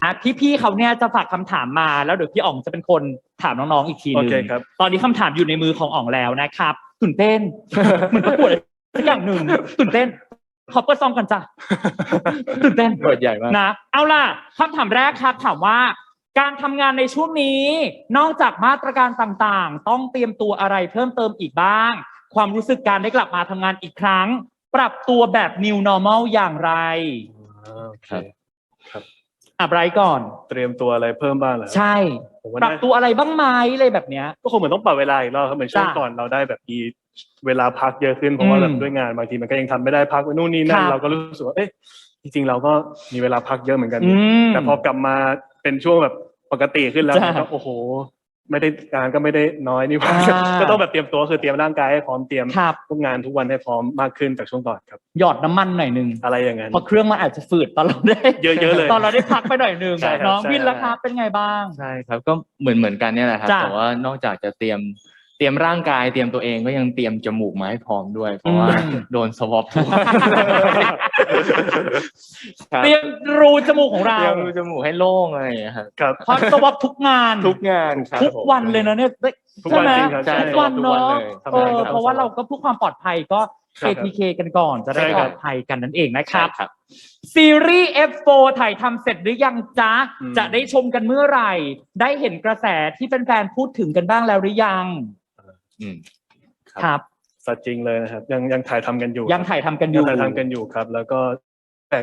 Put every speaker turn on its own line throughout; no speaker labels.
พี่เขาเนี่ยจะฝากคำถามมาแล้วเดี๋ยวพี่อ๋องจะเป็นคนถามน้องๆอีกทีนึงตอนนี้คำถามอยู่ในมือของอ๋องแล้วนะครับตื่นเต้นเหมือนประกวดสักอย่างหนึ่งตื่นเต้นขอเปิดซองกันจ้ะตื่นเต้น
เปิดใหญ่มาก
นะเอาล่ะคำถามแรกครับถามว่าการทำงานในช่วงนี้นอกจากมาตรการต่างๆต้องเตรียมตัวอะไรเพิ่มเติมอีกบ้างความรู้สึกการได้กลับมาทำงานอีกครั้งปรับตัวแบบ new normal อย่างไร
ครับ
ไบรท์ก่อน
เตรียมตัวอะไรเพิ่มบ้างเหรอ
ใช่ปรับตัวอะไรบ้างไหมอะไรแบบเนี้ย
ก็คงเหมือนต้องปรับเวลาอีกรอบครับเหมือนช่วงก่อนเราได้แบบมีเวลาพักเยอะขึ้นเพราะว่าแบบด้วยงานบางทีมันก็ยังทำไม่ได้พักนู่นนี่นั่นเราก็รู้สึกว่าจริงๆเราก็มีเวลาพักเยอะเหมือนกันแต่พอกลับมาเป็นช่วงแบบปกติขึ้นแล้วก็โอ้โหไม่ได้งานก็ไม่ได้น้อยนี่ว่าก็ต้องแบบเตรียมตัวคือเตรียมร่างกายให้พร้อมเตรียมทุกงานทุกวันให้พร้อมมากขึ้นจากช่วงก่อนครับ
หยอดน้ำมันหน่อยนึง
อะไรอย่างนั้น
เพราะเครื่องมันอาจจะฝืดตอนเราได้
เยอะๆเลย
ตอนเราได้พักไปหน่อยนึงน้องวินราคาเป็นไงบ้าง
ใช่ครับก็เหมือนกันเนี่ยแหละครับแต่ว่านอกจากจะเตรียมร่างกายเตรียมตัวเองก็ยังเตรียมจมูกมาให้พร้อมด้วยเพราะว่าโดนสวอป
เตรียมรูจมูกของเรา
เตรียมรูจมูกให้โล่งอะไรอย่างเงี้ย
ครับ
เพราะสวอปทุกงาน
ครับ
ทุกวันเลยนะเนี่ย
ทุกวันจริงครับ
ทุกวันเนาะเพราะว่าเราก็เพื่อความปลอดภัยก็ ATK กันก่อนจะได้ปลอดภัยกันนั่นเองนะครับซีรีส์ F4 ถ่ายทำเสร็จหรือยังจ๊ะจะได้ชมกันเมื่อไหร่ได้เห็นกระแสที่แฟนๆพูดถึงกันบ้างแล้วหรือยังครับ
สัจจริงเลยนะครับยังถ่ายทำกันอยู่
ยังถ่ายทำกันอยู่
ครับแล้วก็แต่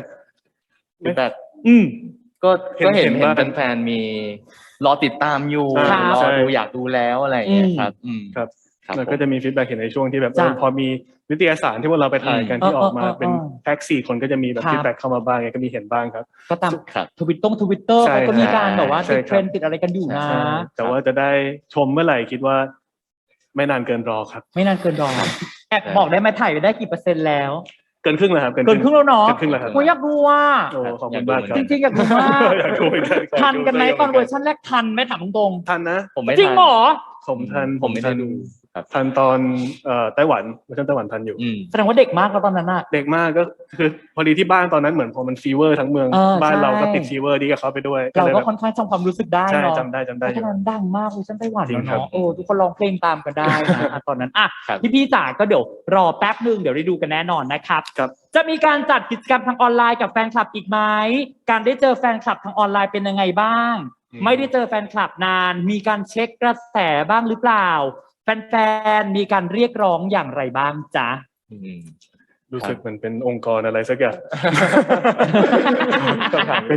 ก็เห็นแฟนๆมีรอติดตามอยู่รอดูอยากดูแล้วอะไรอย่างเงี้ยครับ
ครับแล้วก็จะมีฟีดแบ็กเห็นในช่วงที่แบบพอมีนิตยสารที่พวกเราไปถ่ายกันที่ออกมาเป็นแพ็ก4คนก็จะมีแบบฟีดแบ็กเข้ามาบ้างก็มีเห็นบ้างครับ
ก็ตามทวิตเตอร์เขาก็มีการแบบว่าติดเทรนด์ติดอะไรกันอยู่นะ
แต่ว่าจะได้ชมเมื่อไหร่คิดว่าไม่นานเกินรอครับ
ไม่นานเกินรอแอบบอกได้ไหมถ่ายไปได้กี่เปอร์เซ็นต์แล้ว
เกินครึ่งแล้วครับ
เกินครึ่งแล้วเนาะ
เกินครึ่งแล้วครับ
กูอยากดูว่า
ขอบคุณมากครับ
จริงๆอยากดูมากทันกันไหมตอนเวอร์ชันแรกทันไหมถามตรง
ๆทันนะ
ผมไม่
จริงเหรอ
ผม
ไม่ได้ดู
ทันตอนไต้หวันเวอร์ชันไต้หวันทันอยู่
แสดงว่าเด็กมากแล้วตอนนั้นน่ะ
เด็กมากก็คือพอดีที่บ้านตอนนั้นเหมือนพอมันฟีเวอร์ทั้งเมืองบ้านเราก็ติดฟีเวอร์ดีกับเขาไปด้วย
เราก็ค่อนข้างจำความรู้สึกได้เนาะ
จำได้
ตอนนั้นดังมากเวอร์ชันไต้หวันเนาะทุกคนร้องเพลงตามกันได้นะตอนนั้นพี่จ๋าก็เดี๋ยวรอแป๊บนึงเดี๋ยวได้ดูกันแน่นอนนะครับจะมีการจัดกิจกรรมทางออนไลน์กับแฟนคลับอีกไหมการได้เจอแฟนคลับทางออนไลน์เป็นยังไงบ้างไม่ได้เจอแฟนคลับนานมีการเช็คกระแสบ้างหรือเปล่าแฟนๆมีการเรียกร้องอย่างไรบ้างจ๊ะ
รู้สึกเหมือนเป็นองค์กรอะไรสักอย่าง
เป็น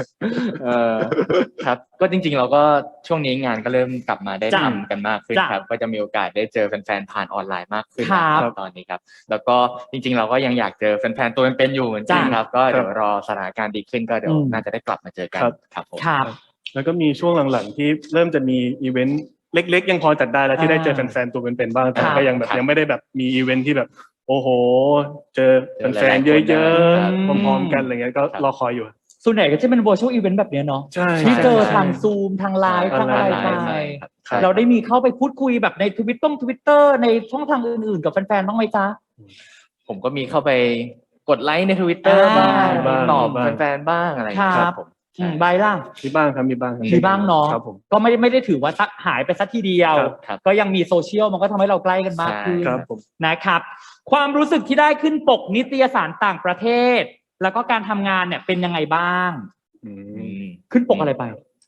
ครับก็จริงๆเราก็ช่วงนี้งานก็เริ่มกลับมาได้ทำกันมากขึ้นครับก็จะมีโอกาสได้เจอแฟนๆผ่านออนไลน์มากขึ้นครับตอนนี้ครับแล้วก็จริงๆเราก็ยังอยากเจอแฟนๆตัวเป็นๆอยู่เหมือนกันครับก็เดี๋ยวรอสถานการณ์ดีขึ้นก็เดี๋ยวน่าจะได้กลับมาเจอกันครับผม
แล้วก็มีช่วงหลังๆที่เริ่มจะมีอีเวนต์เล็กๆยังพอจัดได้แล้วที่ได้เจอแฟนๆตัวเป็นๆบ้างแต่ก็ยังแบบยังไม่ได้แบบมีอีเวนต์ที่แบบโอ้โหเจอแฟนๆเยอะๆพร้อมๆกันอะไรเงี้ยก็รอคอยอยู่
ส่วนใหญ่ก็จะเป็น virtual event แบบนี้เนาะที่เจอทางซูมทางไลฟ์ทางอะไรไปเราได้มีเข้าไปพูดคุยแบบในทวิตเตอร์ในช่องทางอื่นๆกับแฟนๆบ้างไหมจ๊ะ
ผมก็มีเข้าไปกดไลค์ใน Twitter บ้างตอบแฟนๆบ้างอะไรครับผม
ใบล่ะ
มีบ้างครับมีบ้าง
เนาะก็ไม่ได้ถือว่าหายไปสักทีเดียวก็ยังมีโซเชียลมันก็ทำให้เราใกล้กันมากขึ้นนะครับความรู้สึกที่ได้ขึ้นปกนิตยสารต่างประเทศแล้วก็การทำงานเนี่ยเป็นยังไงบ้างขึ้นปกอะไรไป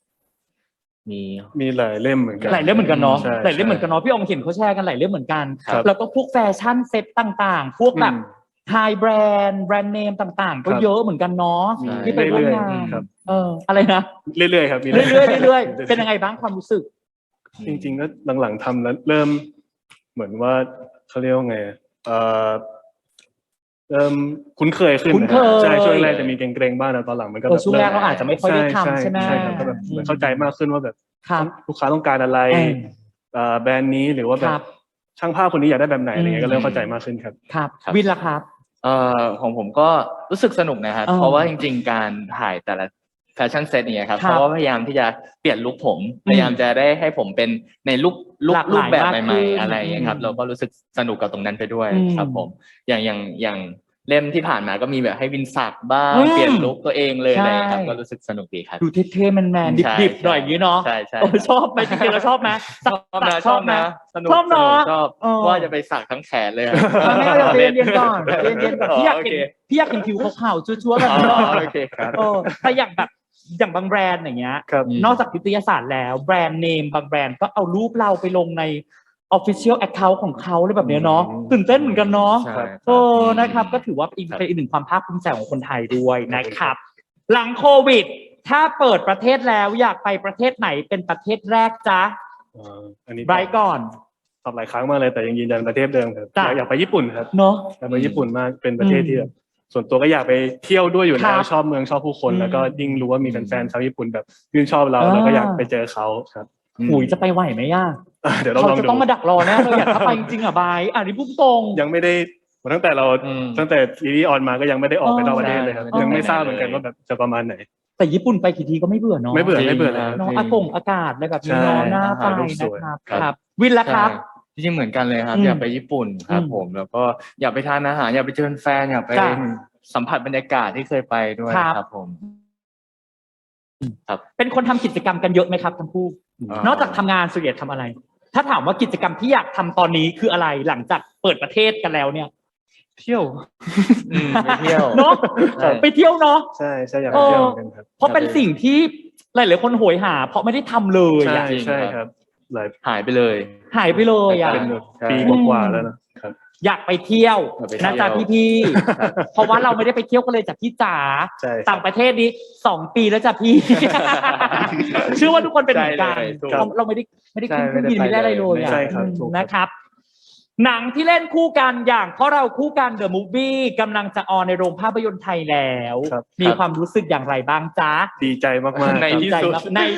มีหลายเล่มเหมือนกัน
หลายเล่มเหมือนกันเนาะหลายเล่มเหมือนกันเนาะพี่องเห็นเขาแชร์กันหลายเล่มเหมือนกันแล้วก็พวกแฟชั่นเซ็ตต่างๆพวกแบบไฮแบรนด์เนมต่างๆก็เยอะเหมือนกันเนาะที่ไปร่วมงานอะไรนะ
เรื่อยๆครับ
เรื่อยๆเป็นยังไงบ้างความรู้สึก
จริงๆก็หลังๆทำแล้วเริ่มเหมือนว่าเขาเรียกว่าไงเริ่มคุ้นเคยขึ้นใช่ช่วงแรกจะมีเกรงๆบ้างแต่ตอนหลังมันก็แบบ
ช่วงแรกเราอาจจะไม่ค่อยได้ทำใช่ไหม
ใช่ครับก็แบบเหมือนเข้าใจมากขึ้นว่าแบบลูกค้าต้องการอะไรแบรนด์นี้หรือว่าแบบช่างภาพคนนี้อยากได้แบบไหนอะไรเงี้ยก็เริ่มเข้าใจมากขึ้นครับ
ครับวินล่ะครับ
ของผมก็รู้สึกสนุกนะครับเพราะว่าจริงๆการถ่ายแต่ละแฟชั่นเซตเนี่ยครับเพราะว่าพยายามที่จะเปลี่ยนลุคผมพยายามจะได้ให้ผมเป็นในลุคแบบใหม่ๆอะไรอย่างเงี้ยครับเราก็รู้สึกสนุกกับตรงนั้นไปด้วยครับผมอย่างเล่มที่ผ่านมาก็มีแบบให้วินสักบ้างเปลี่ยนลุคตัวเองเลยอะไรครับก็รู้สึกสนุกดีครับ
ดูเท่ๆแมนๆดิบๆหน่อยอย่างนี้เนาะ
ใช่ใช่
ชอบไหมจริงๆเราชอบไหม
ชอบนะสนุกชอบว่าจะไปสักทั้งแขนเลย
ไม่เอาเย็นๆก่อนเย็นๆก่อนพี่อยากเห็นผิวขาวๆชัวร์ๆแบบนี้
โอเคครับ
แต่อย่างบางแบรนด์อย่างเงี้ยนอกจากนิตยสารแล้วแบรนด์เนมบางแบรนด์ก็เอารูปเราไปลงใน official account ของเขาเลยแบบนี้เนาะตื่นเต้นเหมือนกันเนาะนะครับก็ถือว่าเป็นอีกหนึ่งความภาคภูมิใจของคนไทยด้วยนะครับหลังโควิดถ้าเปิดประเทศแล้วอยากไปประเทศไหนเป็นประเทศแรกจ๊ะ
อันนี้
ไบรท์ก่อน
ตอบหลายครั้งมากเลยแต่ยังยืนยันประเทศเดิมครับอยากไปญี่ปุ่นครับ
เนาะ
อยากไปญี่ปุ่นมากเป็นประเทศที่ส่วนตัวก็อยากไปเที่ยวด้วยอยู่แล้วชอบเมืองชอบผู้คนแล้วก็ยิ่งรู้ว่ามีแฟนๆชาวญี่ปุ่นแบบยื่นชอบเราก็อยากไปเจอเขาครับ
จะไปไหวไหมย่า
เดี๋ยวเราจะ
ต้องมาดักรอแน่เลยอยากเข้าไปจริงๆอ่ะบายนี่พูดตรง
ยังไม่ได้ตั้งแต่ซีรีส์ออนมาก็ยังไม่ได้ออกไปนอกประเทศเลยครับยังไม่ทราบเหมือนกันว่าแบบจะประมาณไหน
แต่ญี่ปุ่นไปกี่ทีก็ไม่เบื่อเนาะ
ไม่เบื่อเลย
น้องอากาศอะไรแบบนี้เนาะน่าไปนะครับวินละครับ
จริงๆเหมือนกันเลยครับอยากไปญี่ปุ่นครับผมแล้วก็อยากไปทานอาหารอยากไปเจอแฟนอยากไปสัมผัสบรรยากาศที่เคยไปด้วยครับผม
ครับเป็นคนทำกิจกรรมกันเยอะไหมครับทั้งคู่นอกจากทำงานส่วนใหญ่ทำอะไรถ้าถามว่ากิจกรรมที่อยากทำตอนนี้คืออะไรหลังจากเปิดประเทศกันแล้วเนี่ย
เที่ยว
ไปเที่ยว
เนาะไปเที่ยวเนาะ
ใช่อยากไปเที่ยวกันครับ
เพราะเป็นสิ่งที่หลายๆคนโหยหาเพราะไม่ได้ทำเลย
ใช่ครับ
หายไปเลย
เป็นปีกว่าแล้วนะครับ
อยากไปเที่ยวนะจ๊ะพี่ๆเพราะว่าเราไม่ได้ไปเที่ยวกันเลยจากพี่จ๋าต่างประเทศนี้2 ปีแล้วจ้ะพี่เชื่อว่าทุกคนเป็นเหมือนกันเราไม่ได้ขึ้นเครื่องบินไม่ได้อะไรเลยนะครับหนังที่เล่นคู่กันอย่างเพราะเราคู่กันเดอะมูฟวี่กำลังจะออนในโรงภาพยนตร์ไทยแล้วมีความรู้สึกอย่างไรบ้างจ๊ะ
ดีใจมาก
ๆในที่สุด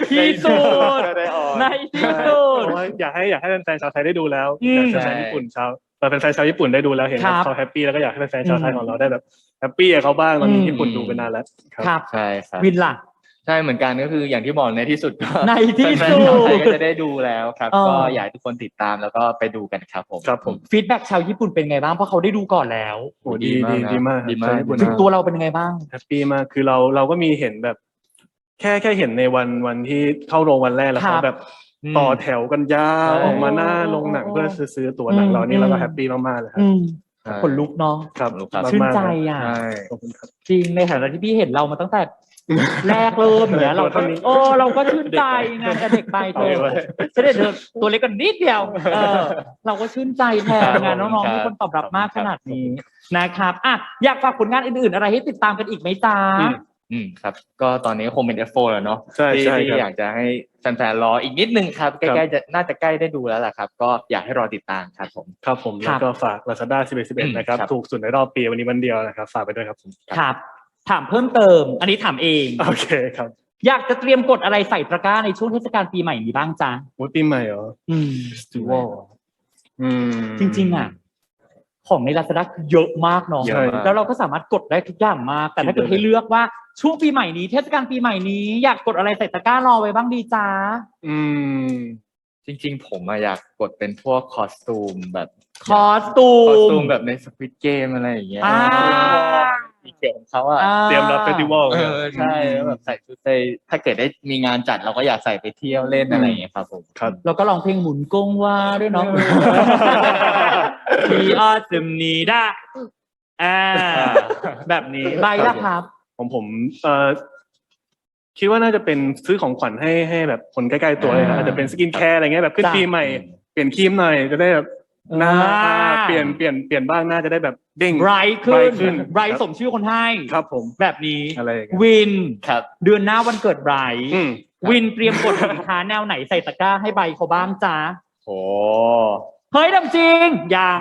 อยากให้แฟนๆชาวไทยได้ดูแล้วอยากแฟนญี่ปุ่นแฟนชาวญี่ปุ่นได้ดูแล้วเห็นเขาแฮปปี้แล้วก็อยากให้แฟนชาวไทยของเราได้แบบแฮปปี้กับเขาบ้างตอนนี้ญี่ปุ่นดูไปนานแล้ว
ครับ
ใช่ครับ
วินล่ะ
ใช่เหมือนกันก็คืออย่างที่บอกในที่สุด
ในที่สุด
ก็จะได้ดูแล้วครับก็อยากให้ทุกคนติดตามแล้วก็ไปดูกันครับผม
ฟีดแบ็กชาวญี่ปุ่นเป็นไงบ้างเพราะเขาได้ดูก่อนแล้ว
โอ้ดีมาก
ตัวเราเป็นไงบ้าง
แฮปปี้มากคือเราก็มีเห็นแบบแค่เห็นในวันที่เข้าโรงวันแรกแล้วเขาแบบต่อแถวกันยาวออกมาหน้าโรงหนังเพื่อซื้อตั๋วหนังเรานี่เราก็แฮปปี้มากๆเลยครับ
คนลุกเนาะชื่นใจอ่ะจริงในฐานะที่พี่เห็นเรามาตั้งแต่แรกเริ่มเนี่ยเราก็ชื่นใจไงแต่เด็กไปเธอตัวเล็กกันนิดเดียวเราก็ชื่นใจแทนงานน้องๆมีคนตอบรับมากขนาดนี้นะครับอยากฝากผลงานอื่นๆอะไรให้ติดตามกันอีกไหมจ๊ะ
ครับก็ตอนนี้คงเป็น F4 แล้วเนาะที่อยากจะให้แฟนๆรออีกนิดนึงครับใกล้ๆจะน่าจะใกล้ได้ดูแล้วล่ะครับก็อยากให้รอติดตามครับผม
แล้วก็ฝาก Lazada 11นะครับถูกสุดในรอบปีวันนี้วันเดียวนะครับฝากไปด้วยครับผม
ครับถามเพิ่มเติมอันนี้ถามเอง
โอเคครับ
อยากจะเตรียมกดอะไรใส่ตะกร้าในช่วงเทศกาลปีใหม่นี้บ้างจ๊ะ
ปีใหม่เหรอ
จริงๆของใน Lazada เยอะมากเนาะแล้วเราก็สามารถกดได้ทุกอย่างมากแต่ถ้าเกิดให้เลือกว่าช่วงปีใหม่นี้เทศกาลปีใหม่นี้อยากกดอะไรใส่ตะกร้ารอไว้บ้างดีจ๊ะ
จริงๆผมอยากกดเป็นพวกคอสตูมแบบ
คอสตูม
แบบใน Squid Game อะไรอย่างเงี้ยอีเกียของเขา
เตรียมรับเฟสติวัล
ใช่แบบใส่ชุดไปถ้าเกิดได้มีงานจัดเราก็อยากใส่ไปเที่ยวเล่นอะไรอย่างเงี้ยครับผม
เราก็ร้องเพลงหมุนกงว่าด้วยเนาะที่ออสมนีด้าแบบนี้ใบละครับ
ผมคิดว่าน่าจะเป็นซื้อของขวัญให้แบบคนใกล้ๆตัวเลยอาจจะเป็นสกินแคร์อะไรเงี้ยแบบขึ้นปีใหม่เปลี่ยนครีมหน่อยจะได้แบบหน้าเปลี่ยนบ้างน่าจะได้แบบเด้ง
ไบรท์ขึ้นไบรท์สมชื่อคนให้
ครับผม
แบบนี้
อะไร
วิน
ครับ
เดือนหน้าวันเกิดไบรท์วินเตรียมกดสินค้าแนวไหนใส่ตะกร้าให้ใบเขาบ้างจ้า
โอ้
เฮ้ยดำจริงยัง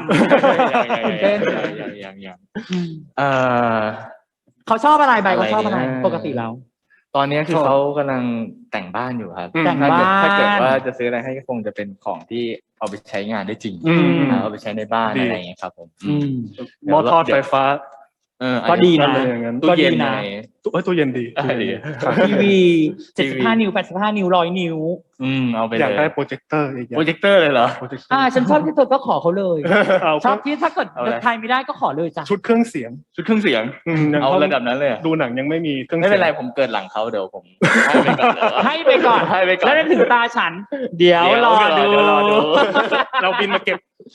เขาชอบอะไรใบเขาชอบอะไรปกติแล้ว
ตอนนี้คือเขากำลังแต่งบ้านอยู่ครับ
แต่งบ้าน
ถ้าเกิดว่าจะซื้ออะไรให้ก็คงจะเป็นของที่เอาไปใช้งานได้จริงเอาไปใช้ในบ้านอะไรอย่างเงี้ยครับผม
หม้อทอดไฟฟ้า
ก็ดีนะ
ตู้เย็นนะ
ตู้เย็นดี
ทีวี75 นิ้ว85 นิ้ว100 นิ้ว
เอาไปเลย
อยากได้โปรเจคเตอร์อีก
โปรเจคเตอร์เลยเหรอ
ฉันชอบที่เธอก็ขอเขาเลยชอบที่ถ้าเกิดไทยไม่ได้ก็ขอเลยจ้ะ
ชุดเครื่องเสียง
เอาระดับนั้นเลย
ดูหนังยังไม่มีเครื่อง
ไม่เป็นไรผมเกิดหลังเขาเดี๋ยวผม
ให้ไปก่อนแล้วถึงตาฉันเดี๋ยวรอดู
เราบินมาเก็บ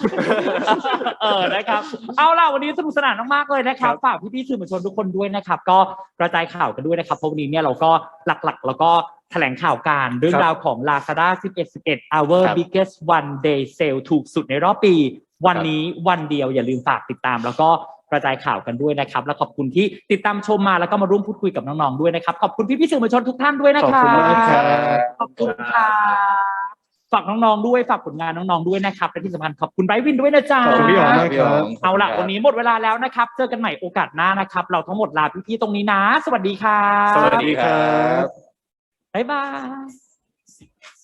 นะครับเอาล่ะวันนี้สนุกสนานมากๆเลยนะครับฝากพี่ๆสื่อมวลชนทุกคนด้วยนะครับก็กระจายข่าวกันด้วยนะครับเพราะวันนี้เนี่ยเราก็หลักๆแล้วก็แถลงข่าวการเรื่องราวของ Lazada 11 Our Biggest One Day Sale ถูกสุดในรอบปีวันนี้วันเดียวอย่าลืมฝากติดตามแล้วก็กระจายข่าวกันด้วยนะครับและขอบคุณที่ติดตามชมมาแล้วก็มาร่วมพูดคุยกับน้องๆด้วยนะครับขอบคุณพี่ๆสื่อมวลชนทุกท่านด้วยนะครับขอบคุณค่ะฝากน้องๆด้วยฝากผลงานน้องๆด้วยนะครับและที่สำคัญขอบคุณไบรท์วินด้วยนะจ๊ะเอาล่ะวันนี้หมดเวลาแล้วนะครับเจอกันใหม่โอกาสหน้านะครับเราทั้งหมดลาพี่ๆตรงนี้นะสวัสดีครับ
สวัสดีครับ
บ๊ายบาย